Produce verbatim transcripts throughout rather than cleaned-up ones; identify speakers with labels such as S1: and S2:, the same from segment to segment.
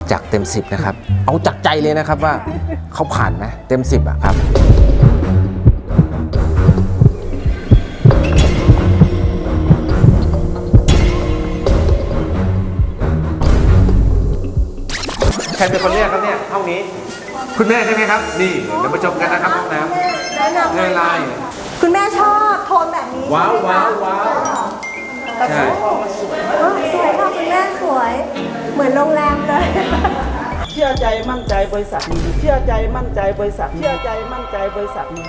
S1: จากเต็มสิบนะครับเอาจากใจเลยนะครับว่าเขาผ่านไหมเต็มสิบอะครับใครเป็นคนเรียกครับเนี่ยห้องนี้คุณแม่ใช่ไหมครับนี่เดี๋ยวมาชมกันนะครับห้องน้ำเงยลาย
S2: คุณแม่ชอบโทนแบบนี้
S1: ว้าวว้าวว้าวใช่
S2: สวยค่ะคุณแม่สวยเหมือนโรงแรมเลย
S3: เชื่อใจมั่นใจบริษัทนี้เชื่อใจมั่นใจบริษัทเชื่อใจมั่นใจบริษัทนี้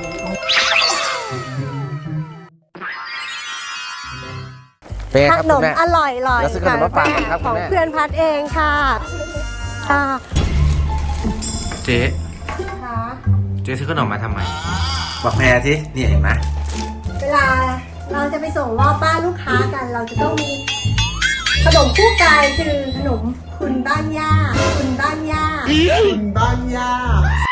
S1: เป็นไงครับ
S2: ขน
S1: คุ
S2: ม
S1: ณแม่
S2: อร่อยๆ
S1: แล้วซื้อขนมมาฝากกันครับ
S2: ข
S1: คุ
S2: อง
S1: ณแม่
S2: เพื่อนพัดเองค่ะค่ะ
S1: เจ๊เจ๊ซื้อขนมมาทำไมบอกแพรสินี่เห็นไหม
S2: เวลาเราจะไปส่งมอบบ้านลูกค้ากัน เราจะต้องมีขนมคู่กายคือขนมคุณบ้านย่าคุณบ้านย่า
S3: คุณบ้านย่า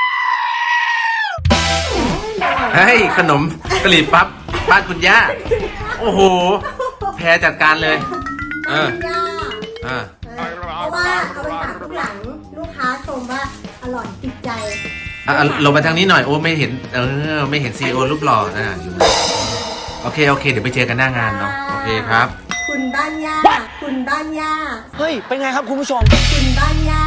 S1: เฮ้ยขนมกะหรี่ปั๊บบ้านคุณย่าโอ้โหแพรจัดการเลยเออ
S2: บ้านย่า
S1: อ่า
S2: เพราะว่าเอาไปฝากทุกหลังลูกค้าชมว่าอร่อยติดใจ
S1: อ่ะลงมาทางนี้หน่อยโอ้ไม่เห็นเออไม่เห็นซีโอรูปหล่อนะอยู่โอเคโอเคเดี๋ยวไปเจอกันหน้างานเนาะโอเคครับ
S2: คุณบ้านย่าคุณบ้านย่า
S4: เฮ้ยเป็นไงครับคุณผู้ชม
S2: คุณบ้านย่า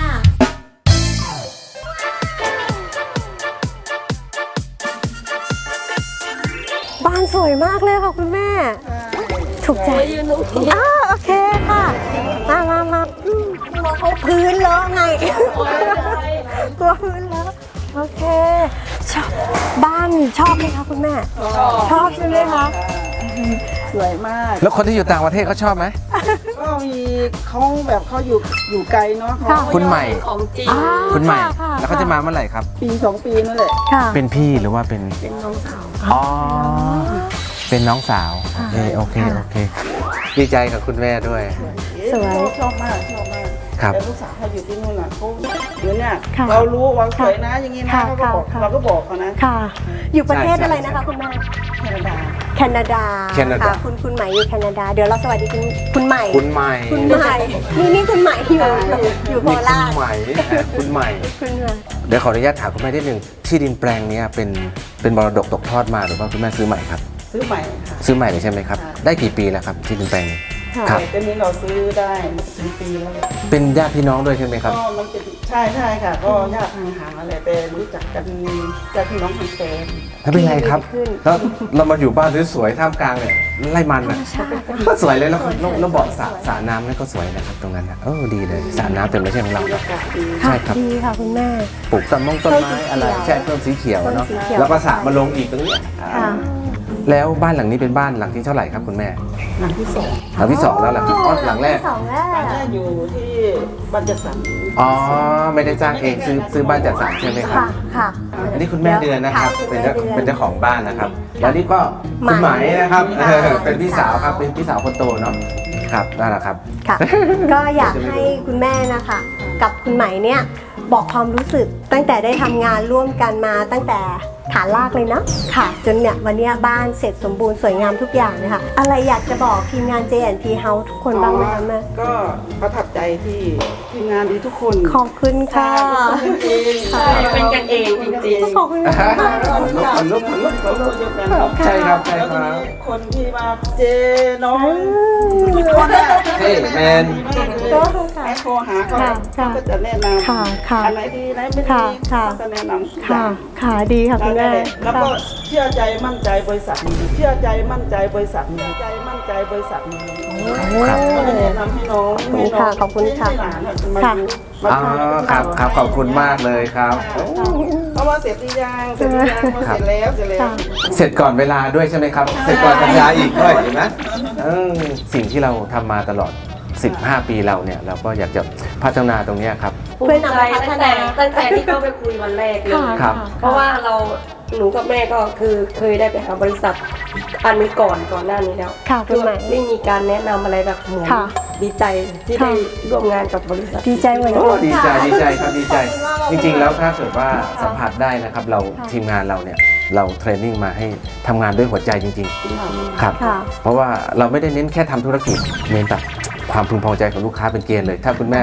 S2: บ้านสวยมากเลยค่ะคุณแม่ถูกใจอ้าโอเคค่ะมามามาอืมกลัวเขาพื้นเลอะไงกลัวพื้นเลอะโอเคชอบบ้านชอบไหมคะคุณแม่ชอบใช่ไหมคะ
S3: สวยมาก
S1: แล้วคนที่อยู่ต่างประเทศเขาชอบไหม
S3: ก็มีเขาแบบเขาอยู่อยู่ไกลเนาะ
S1: คุณใหม่
S2: ของจริง
S1: คุณใหม่แล้วเขาจะมาเมื่อไหร่ครับ
S3: ปีสองปีนั่นแหละ
S1: เป็นพี่หรือว่าเป็น
S3: เป็นน้องสาว
S1: อ๋อเป็นน้องสาวโอเคโอเคโอเคดีใจกับคุณแม่ด้วย
S3: สวยชอบมากชอบมาก
S1: ครับ
S3: แต่ลูกสาวเขาอยู่ที่นู่นน่ะเขาเดี๋ยวเนี่ยเรารู้ว่าสวยนะอย่างงี้นะเขาก็บอกเราก็บอกเขานะ
S2: ค่ะอยู่ประเทศอะไรนะคะคุณแม่
S3: แคนาดา
S2: แคนาดาค่ะคุณคุณใหม่อยู่แคนาดาเดี๋ยวเราสวัสดีคุณคุณใหม่
S1: คุณใหม่
S2: คุณใหม่นี่นี่คุณใหม่อยู่อยู่โคราช
S1: คุณใหม่คุณใหม่
S2: คุณใหม่
S1: เดี๋ยวขออนุญาตถามคุณแม่นิดนึงที่ดินแปลงนี้เป็นเป็นมรดกตกทอดมาหรือว่าคุณแม่ซื้อใหม่ครับ
S3: ซื้อใหม่ค่ะ
S1: ซื้อใหม่เลยใช่ไหมครับได้กี่ปีแล้วครับที่ดินแปลงนี้
S3: ครับตอนนี้เราซื้อได้ถึงปีแล้ว
S1: เป็นญาติพี่น้องด้วยใช่ไหมครับ
S3: ก็มันเป็นใช่ใช่ค่ะก็ญาติห่างๆอะไรแต่รู้จักกันญาติพี่น้องกันแฟน
S1: แล้วเป็นไงครับแล้วเรามาอยู่บ้านสวยๆท่ามกลางเนี่ยไร่มันอ่ะก็สวยเลยแล้วเราบอกสระสระน้ำนั่นก็สวยนะครับตรงนั้นนะเออดีเลยสระน้ำเต็มเลยใช่ไหมเรา
S2: ใช่ครับดีค่ะคุณแม่
S1: ปลูกต้นมงต้นไม้อะไรใช่ต้นสีเขียวเนาะแล้วก็สระมาลงอีกตรงนี้แล้วบ้านหลังนี้เป็นบ้านหลังที่เท่าไหร่ครับคุณแม่
S3: หลังที่สอง
S1: หลังที่สองแล้วหลังอ๋อหลังแรก
S2: สองแรก
S3: หลังแรกอยู่ที่บ้านจัดสรร
S1: อ๋อไม่ได้สร้างเองซื้อซื้อบ้านจัดสรรใช่ไหมครับ
S2: ค่ะ
S1: อันนี้คุณแม่เดือนนะครับเป็นเจ้าเป็นเจ้าของบ้านนะครับแล้วนี่ก็คุณหมายนะครับเป็นพี่สาวครับเป็นพี่สาวคนโตเนาะครับนั่นแหละครับ
S2: ค่ะก็อยากให้คุณแม่นะคะกับคุณหมายเนี่ยบอกความรู้สึกตั้งแต่ได้ทำงานร่วมกันมาตั้งแต่ฐานรากเลยนะค่ะจนเนี่ยวันนี้บ้านเสร็จสมบูรณ์สวยงามทุกอย่างเลยค่ะอะไรอยากจะบอกทีมงาน เจ แอนด์ พี House ทุกคนบ้างไหมคะแม่
S3: ก็ประทับใจที่ทีมงานดีทุกคน
S2: ขอบคุณค่ะ
S3: เป็นกันเองจริง
S2: ๆขอบคุณค่ะ
S1: คนลุกคนลุกคนลุกใช่ครับใช่ครับ
S3: คนที่มาเจน้องคนแรก
S1: เฮ้แมน
S3: แม่โทรหาเขาก็จะแนะนำอันไหนดีไหนไม่ดีเขาจะแนะนำ
S2: ค่ะค่ะดีค่ะคุณแม่
S3: แล้วก็เชื่อใจมั่นใจบริษัทนี้เชื่อใจมั่นใจบริษัทนี้ใจมั่นใจบริษัทนี้ก็เลยแนะนำให้น้องให้น้อง
S2: ขอบคุณค่ะ
S3: ค่ะ
S1: อ๋อครับครับขอบคุณมากเลยครับ
S3: เพราะว่าเสร็จหรือยังเสร็จหรือยังเสร็จแล้วเสร็จแล้ว
S1: เสร็จก่อนเวลาด้วยใช่ไหมครับเสร็จก่อนสัญญาอีกด้วยเห็นไหมสิ่งที่เราทำมาตลอดสิบห้าปีเราเนี่ยเราก็อยากจะพัฒนาตรงนี้ครับ
S5: ภูมิใจตั้งแต่ตั้งแต่ที่เข้าไปคุยวันแรกเลยเพราะว่าเราหนูกับแม่ก็คือเคยได้ไปหาบริษัทอันนี้ก่อนก่อนหน้านี้แล้ว
S2: คือ
S5: ไม่มีการแนะนำอะไรแบบเหมือนดีใจที่ได้ร่วมงานกับบริษัท
S2: ดีใจเหมือนกัน
S1: ดีใจดีใจครับดีใจจริงๆแล้วถ้าเกิดว่าสัมผัสได้นะครับเราทีมงานเราเนี่ยเราเทรนนิ่งมาให้ทำงานด้วยหัวใจจริงๆครับเพราะว่าเราไม่ได้เน้นแค่ทำธุรกิจเน้นแบบความพึงพอใจของลูกค้าเป็นเกณฑ์เลยถ้าคุณแม่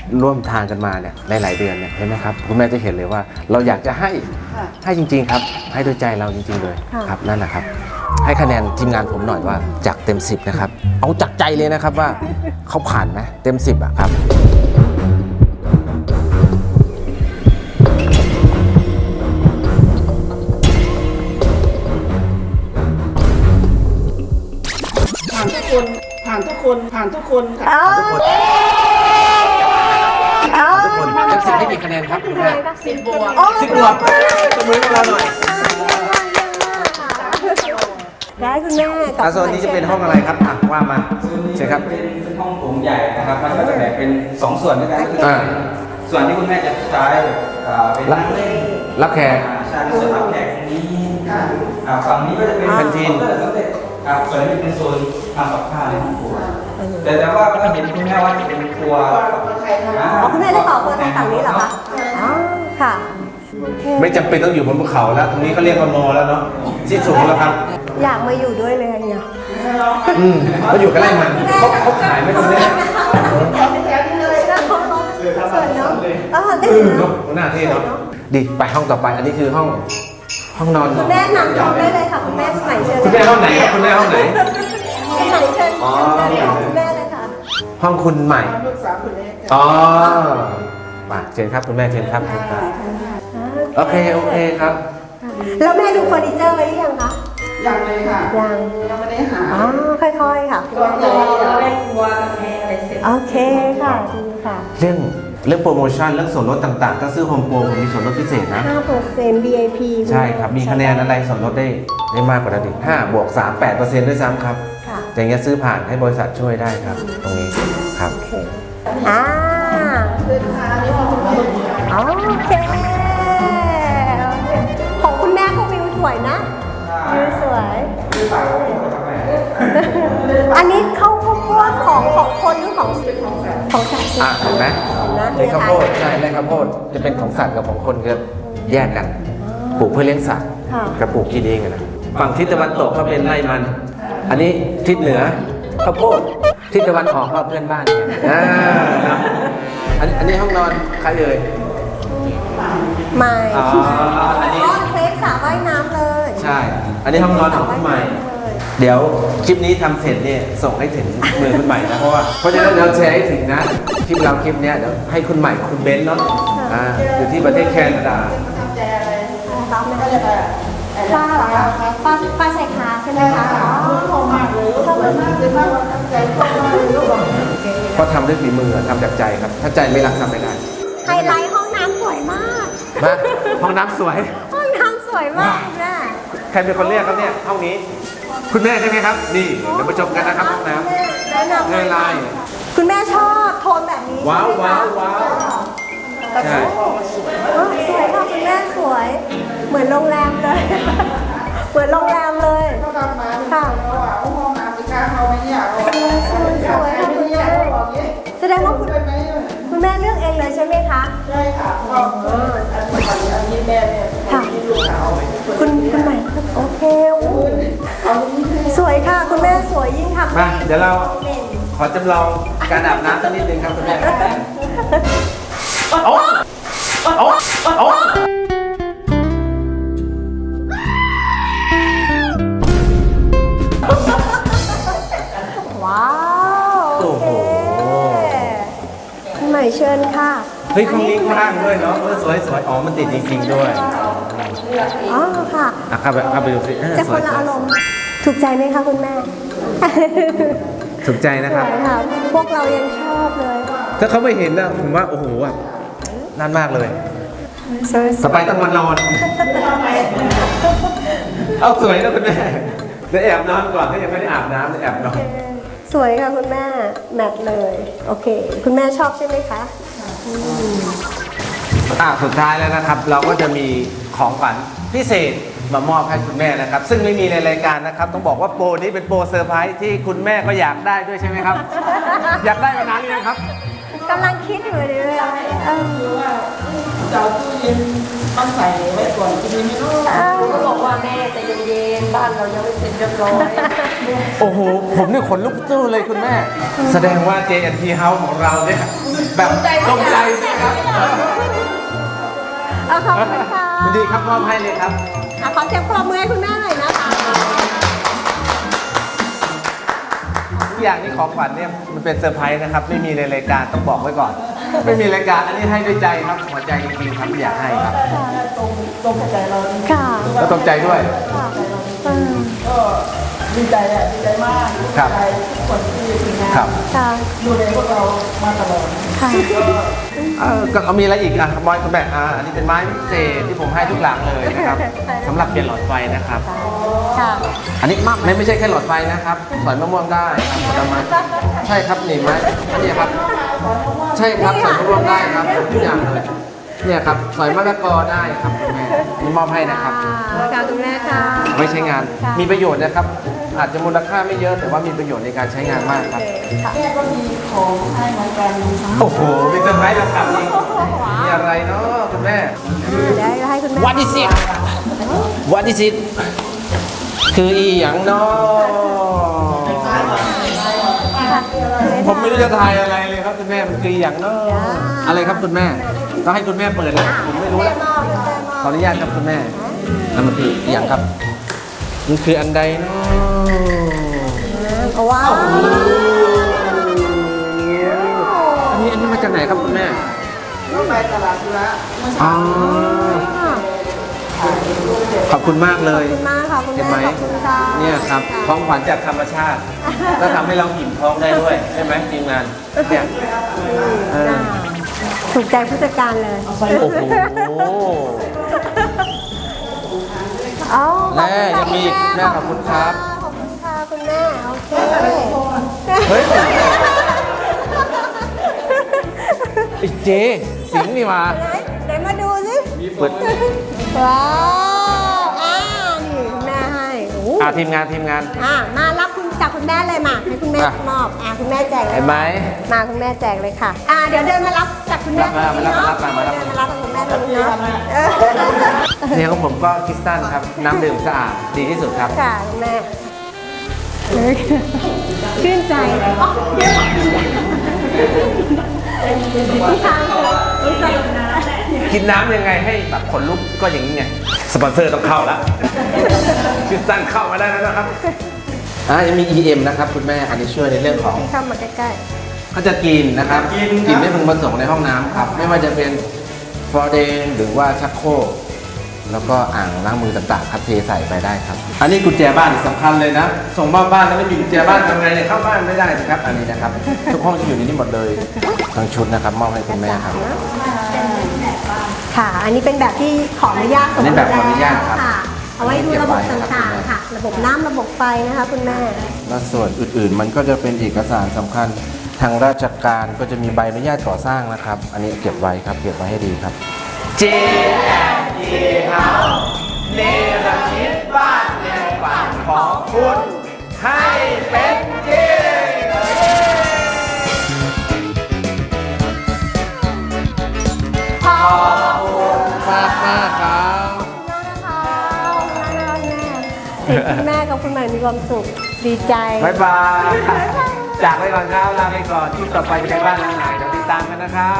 S1: ร่วมทางกันมาเนี่ยหลายๆเดือนเนี่ยเห็นไหมครับคุณแม่จะเห็นเลยว่าเราอยากจะให้ให้จริงๆครับให้ด้วยใจเราจริงๆเลยครับนั่นแหละครับให้คะแนนทีมงานผมหน่อยว่าจากเต็มสิบนะครับเอาจากใจเลยนะครับว่าเขาผ่านไหมเต็มสิบอะครับ
S3: ผ่านทุกคนผ่านทุกคนผ่านทุกคนค่ะ
S2: เอาเอา
S1: ทุกคนเต็มสิบให้กี่คะแนนครับคุณแม่
S2: สิบบวก
S1: สิบบวกตบมือให้เราหน่อย
S2: ได้คุณแม่กับ
S1: อาโซนนี้จะเป็นห้องอะไรครับอ่ะว่ามาเชิญครับ
S6: เป็นห้องโถงใหญ่นะครับมันก็จะแบ่งเป็นสองส่วนด้วยกันก็คือ
S1: อ่า
S6: ส่วนที่คุณแม่จะใช้อ่าเป็นนั่งเล่น
S1: รับแขก
S6: ใช่ส่วนรับแขกตรงนี้อ่าฝั่งนี้ก็จะเป็น
S1: แคนทีน
S6: เคาน์เตอร์สำเร็จครับส่วนนี้เป็นโซนทำกับข้าวในห้องครัวแต่แต่ว่าก็เห็นคุณแม่ว่าจะเป็นครัว
S2: อ๋อคุณแม่ได้ต่อเบอร์ทางฝั่งนี้เหรอคะอ๋อค่ะโอเค
S1: ไม่จำเป็นต้องอยู่บนภูเขาแล้ว ตรงนี้เขาเรียกว่ามอแล้วเนาะที่สูงแล้วครับ
S2: อยากมาอยู่ด้วยเลยเนี่ย
S1: อืมเขาอยู่กันไร่มันเขาเขาขายไหม่ตรงนี้
S2: สวยเนาะเออได้
S1: เออ
S2: เนาะ
S1: เนาะหน้าเท่เนาะดีไปห้องต่อไปอันนี้คือห้องห้องนอน
S2: คุณแม่นำชมได้เลยค่ะคุณแม่ใหม่เชิญ
S1: คุณแม่ห้องไหนครับคุณแม่ห้องไหน
S2: คุณใหม่เชิญ
S1: อ๋อ
S2: คุณแม่เลยค่ะ
S1: ห้องคุณใหม่
S3: ลูกสาวคนนี้
S1: อ๋อมาเชิญครับคุณแม่เชิญครับเชิญครับโอเคโอเคครับ
S2: แล้วแม่ดูเฟอร์นิเจอร์ไว้หรือยังคะ
S3: ยังเลยค่ะ
S2: ยัง
S3: ยังไม่ได้หา
S2: อ๋อค่อยๆค่ะคุณแม่
S5: เราเราได้ครัวกับแพงอะไรเสร็จ
S2: โอเคค่ะดีค่ะ
S1: เรื่องเรื่องโปรโมชั่นเรื่องส่วนลดต่างๆ ถ้าซื้อโฮมโปรผมมีส่วนลดพิเศษนะ
S2: ห้าเปอร์เซ็นต์ วี ไอ พี
S1: ใช่ครับ มีคะแนนอะไรส่วนลดได้ได้มากกว่านั้นอีกห้าบวกสามแปดเปอร์เซ็นต์ด้วยซ้ำครับ
S2: ค่ะ
S1: อย่างเงี้ยซื้อผ่านให้บริษัทช่วยได้ครับ ตรงนี้ครับ
S2: โอเคอ่าโอเค ของคุณแม่ก็วิวสวยนะ วิวสวย อันนี้เข้าข้าวโพดของของคนหรือของของสัตว์
S1: อ่ะเห็นไหม
S2: นะ
S1: ในข้าวโพดใช่ในข้าวโพดจะเป็นของสัตว์กับของคนคือแยกกันปลูกเพื่อเลี้ยงสัตว์กับปลูกกินเองอะนะฝั่งทิศตะวันตกก็เป็นไร่มัน อันนี้ทิศเหนือข้าวโพดทิศตะวันออกก็เพื่อนบ้านเนี่ยอ่าครับอันอันนี้ห้องนอนใครเอ่ย
S2: ไม่
S1: อ๋ออันนี้
S2: อ๋อเคล็สระว่ายน้ำเลย
S1: ใช่ อันนี้ห้องนอนของคุณใหม่ เดี๋ยวคลิปนี้ทำเสร็จเนี่ยส่งให้ถึงมือคุณใหม่นะเพราะว่าเพราะฉะนั้นเราแชร์ให้ถึงนะคลิปเราคลิปเนี้ยเดี๋ยวให้คุณใหม่คุณเบนซ์เนาะอ่าอยู่ที่ประเทศแคนาดา
S2: ต้อมเลยฟ้าเหรอคะฟ้าฟ้าใส่ขาใช่ไหมคะอ๋อ
S3: ชอบมากเลยชอบมากเลยมากว่าตั้งใจชอบมากเลยลูกบอก
S1: เพราะทำด้วยฝีมือทำจากใจครับ ถ้าใจไม่รักทำไม่ได้
S2: ไฮไลท์ห้องน้ำสวยมาก
S1: มาห้องน้ำสวย
S2: ห้องน้ำสวยมากแม่
S1: ใครเป็นคนเรียกครับเนี่ยห้องนี้ คุณแม่ใช่ไหมครับ นี่เดี๋ยวมาชมกันนะครับห้องน้
S2: แนะนำ
S1: ำเงยลาย
S2: คุณแม่ชอบโทนแบบนี้
S1: ว้าว
S2: ใช่ไหม
S1: ว้า
S2: คะ
S1: วว้าวใช่
S2: อ๋อสวยค่ะคุณแม่สวย เหมือนโรงแรมเลย เหมือนโรงแรมเลย
S3: เขาทำมาค่ะเราอ่ะห้องน้ำจะกล้าเขาไหมเนี่ยเรา
S2: สวยสวยค่ะคุณ
S3: เนี่ย
S2: แม่
S3: เขาบอกงี้
S2: แสดงว่าคุณ
S3: เป็นไหม
S2: คุณแม่เลือกเองเลยใช่ไหมคะ
S3: ใช่ค่ะก็อันนี้อันนี้แม่เนี่ย
S2: ค่ะ
S3: ที่ลูกสาว
S2: คุณคุณใหม่โอเคอู้สวยค่ะ คุณแม่สวยยิ่งทำ
S1: มาเดี๋ยวเราขอจำลองการอาบน้ำสักนิดนึงครับคุณแม่โอ้โอ้โอ้
S2: ว้าว
S1: โอ้โห
S2: คุณใหม่เชิญค่ะ
S1: เฮ้ยห้องนี้กว้างด้วยเนาะเออสวยสวยอ๋อมันติดจริงๆด้วย
S2: อ๋อค่ะ
S1: อ่ะเข้าไปเข้าไปดูสิเออ
S2: จะ
S1: ส
S2: ค
S1: วย
S2: น
S1: ส
S2: ละ
S1: วย
S2: อารมณ์ถูกใจไหมคะคุณแม่
S1: ถูกใจนะ
S2: ส
S1: ครับ
S2: วยค่ะ พวกเรายังชอบเลย
S1: ถ้าเขาไม่เห็นนะผมว่าโอ้โหแบบนั่นมากเลย
S2: สวย
S1: ต่อไปต้องมานอน เอาสวยนะคุณแม่เดี๋ยวแอบนอนก่อนถ้ายังไม่ได้อาบน้ำเดี๋ยวแอบนอน
S2: สวยค่ะคุณแม่ แมทเลย โอเค คุณแม่ชอบใช่ไหมคะ
S1: อ่ะสุดท้ายแล้วนะครับ เราก็จะมีของขวัญพิเศษมามอบให้คุณแม่นะครับ ซึ่งไม่มีในรายการนะครับ ต้องบอกว่าโปรนี้เป็นโปรเซอร์ไพรส์ที่คุณแม่ก็อยากได้ด้วยใช่ไหมครับ อยากได้มานานหรือยังครับ
S2: กำลังคิดอยู่เลยเออ
S3: จะเอาตู้เย็นมาใส่ไว้ก่อนกินไม่รู้
S2: เออ
S5: ก็บอกว่าแม่ใจเย็นๆบ้านเรายังไม่เสร็จเรียบร้อย
S1: โอ้โห ผมนี่ขนลุกสู้เลยคุณแม่ แสดงว่า เจ แอนด์ ที House ของเราเนี่ยแบบตรงใจใช่ไหมครับ
S2: เอาขอบคุณค่ะ
S1: ยินดีครับมอบให้เลยครับ
S2: อ่ะขอเสียงปรบมือให้คุณแม่หน่อยนะคะ
S1: ทุกอย่างนี่ของขวัญเนี่ยมันเป็นเซอร์ไพรส์นะครับ ไม่มีในรายการต้องบอกไว้ก่อน ไม่มีรายการอันนี้ให้ด้วยใจครับหัวใจจริงๆครับอยากให้ครับ
S3: ตรงตรงกับใจเราจริง
S2: ค่ะ
S1: แล้วตรงใจด้วย
S2: อืม
S3: ๆก็ดีใจอ่ะดีใจมาก
S1: ครับ
S3: ดีใจทุกคนที่ทีมงาน
S1: ครับ
S2: ค่ะ
S3: ดูแลพวกเรามาตลอด
S2: ค่ะ
S1: เออก็เอามีอะไรอีกอ่ะบอยคุณแม่อ่าอันนี้เป็นไม้พิเศษที่ผมให้ทุกหลังเลยนะครับสำหรับเปลี่ยนหลอดไฟนะครับ
S2: ค่ะ
S1: อันนี้ไม่ไม่ใช่แค่หลอดไฟนะครับสอยมะม่วงได้ครับผลไม้ใช่ครับนี่ไหมอันนี้ครับ ใช่ครับสอยมะม่วงได้ครับทุกอย่างเลยเนี่ยครับสอยมะละกอได้ครับคุณแม่นี่มอบให้นะครับ
S2: ค่ะคุณแม่ค่ะ
S1: ไว้ใช้งาน
S2: ค่ะ
S1: มีประโยชน์นะครับ อาจจะมูลค่าไม่เยอะแต่ว่ามีประโยชน์ในการใช้งานมากครับ
S3: แม่ก็มีของให้เหมือนกัน
S1: โอ้โหมีเซอร์ไพรส์แล้วครับนี่มีอะไรเนาะคุณแม่
S2: เดี๋ยวให้คุณแม่
S1: What is it What is it คืออีหยังเนาะผมไม่รู้จะทายอะไรเลยครับคุณแม่มันคืออีหยังเนาะอะไรครับคุณแม่ต้องให้คุณแม่เปิดแล้วผมไม่รู้แล้วขออนุญาตครับคุณแม่นั่นมันคืออีหยังครับมันคืออันใดเนาะ
S2: ว้าว
S1: อันนี้อันนี้มาจากไหนครับคุณแม่
S3: ก็ไปตลาดธุระ
S1: อ๋อขอบคุณมากเลย
S2: ขอบคุณมากค่ะคุณ
S1: เห็น
S2: แม่
S1: ไหม
S2: ขอบคุณค่ะ
S1: เนี่ยครับของขวัญจากธรรมชาติแล้วทำให้เราอิ่มท้องได้ด้วยใช่ไหมทีมงานเนี่ยเออ
S2: ถูกใจผู้จัดการเลย
S1: โอ้โห
S2: เอา
S1: แม่ยังมีอีกแม่ขอบคุณครับ
S2: ขอบคุณค่ะคุณแม่โอเค
S1: เฮ้ยไอ้เจสิงห์นี่มา
S2: ไหนไหนมาดูสิ
S1: เปิด
S2: ว้าวอ่านี่คุณแม่ให้โอ้โห
S1: อ่าทีมงานทีมงาน
S2: อ่ามารับคุณจากคุณแม่เลยมาให้คุณแม่
S1: อ่ะ
S2: มอบอ่าคุณแม่แจกเลย
S1: เห็นไหม
S2: มาคุณแม่แจกเลยค่ะ อ่าเดี๋ยวเดินมารับจากคุณแม่
S1: รับมา
S2: ตงนี้
S1: รับมารับมา
S2: เดินมารับจากคุณแม่ตรงนี้เนาะเออ
S1: เนี่ยของผมก็คริสตัลครับ น้ำดื่มสะอาดดีที่สุดครับ
S2: ค่ะคุณแม่ชื่นใจอ๋อเดี๋ยวพี่ช้างพี่ช้างนะ
S1: กินน้ำยังไงให้แบบขนลุกก็อย่างนี้ไง สปอนเซอร์ต้องเข้าแล้วคริสตัลเข้ามาได้แล้วนะครับอ่ายังมี อี เอ็ม นะครับคุณแม่อันนี้ช่วยในเรื่องของ
S2: พี่เข้ามาใกล้
S1: ก็จะกินนะครับกินไม่พึงประสงค์ในห้องน้ำครับ ไม่ว่าจะเป็นฟลอร์เดนหรือว่าชักโครกแล้วก็อ่างล้างมือต่างๆครับเทใส่ไปได้ครับ อันนี้กุญแจบ้านสำคัญเลยนะ ส่งมอบบ้านแล้วไม่มีกุญแจบ้านทำไงเนี่ยเข้าบ้านไม่ได้นะครับ อันนี้นะครับ ทุกห้องจะอยู่ในนี้หมดเลยทั้งชุดนะครับมอบให้คุณแม่ครับ
S2: ๆค่ะ อันนี้เป็นแบบที่ขออนุญาต
S1: อันนี้แบบขออนุญาตครับ
S2: ค่ะ เอาไว้ดูระบบต่างๆค่ะ ระบบน้ำระบบไฟนะคะคุณแม่
S1: และส่วนอื่นๆ มันก็จะเป็นเอกสารสำคัญทางราชการก็จะมีใบอนุญาตก่อสร้างนะครับ อันนี้เก็บไว้ครับเก็บไว้ให้ดีครับ เจ แอนด์ ที House เนรมิตบ้านในฝันของคุณให้เป็นจริงขอบคุณมากมากครับ
S2: เห็นคุณแม่กับคุณใหม่มีความสุขดีใจ
S1: บ๊ายบายจากไปก่อนครับลาไปก่อนที่ต่อไปจะเป็นบ้านหลังไหนเดี๋ยวติดตามกันนะครับ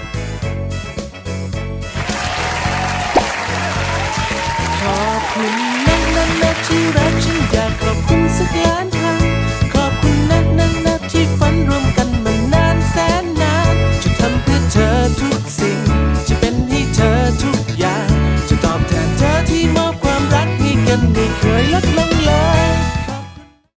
S1: ขอบคุณ